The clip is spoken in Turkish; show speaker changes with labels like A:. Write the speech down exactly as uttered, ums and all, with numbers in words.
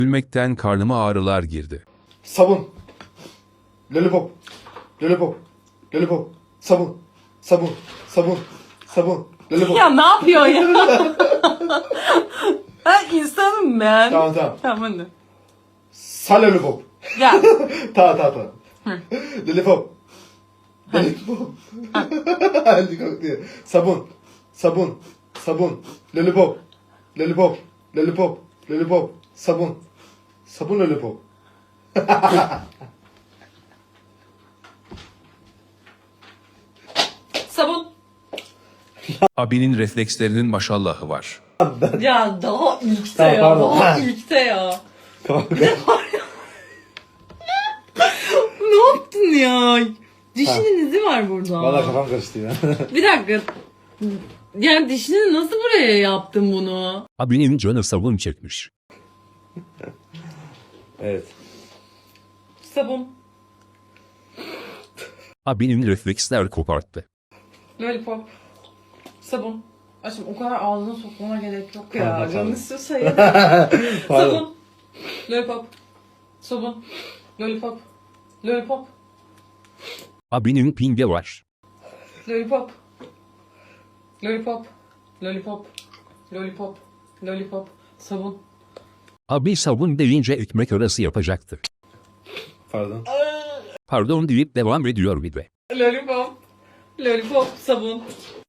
A: Gülmekten karnıma ağrılar girdi.
B: Sabun. Lollipop. Lollipop. Lollipop. Sabun. Sabun. Sabun. Sabun. Lollipop.
C: Ya ne yapıyorsun ya? Ben insanım ben.
B: Tamam tamam.
C: Tamam hadi.
B: Sa lollipop.
C: Gel.
B: Tamam tamam tamam. Lollipop. Lollipop. Hadi kalk diye. Sabun. Sabun. Sabun. Lollipop. Lollipop. Lollipop. Lollipop. Sabun. Sabun lollipop.
C: Sabun.
A: Abinin reflekslerinin maşallahı var.
C: Ya daha ilkte
B: Tamam,
C: ya.
B: pardon.
C: Daha ilkte ya.
B: Tamam.
C: Ne yaptın ya? Dişinin izi var burada.
B: Valla kafam karıştı ya.
C: Bir dakika. Yani dişini nasıl buraya yaptın bunu?
A: Abinin canı sabun çekmiş.
B: Evet.
C: Sabun.
A: Abinin refleksler koparttı.
C: Lollipop. Sabun. Aşkım o kadar ağzına sokmana gerek yok ya.
B: Tamam, tamam.
C: Canın istiyorsa ye.
B: Pardon.
C: Sabun. Lollipop. Sabun. Lollipop. Lollipop.
A: Abinin pinge var.
C: Lollipop. Lollipop. Lollipop. Lollipop. Lollipop. Sabun.
A: Abi sabun deyince ekmek arası yapacaktı.
B: Pardon.
A: Pardon deyip devam ediyor bir de.
C: Lollipop. Lollipop. Sabun.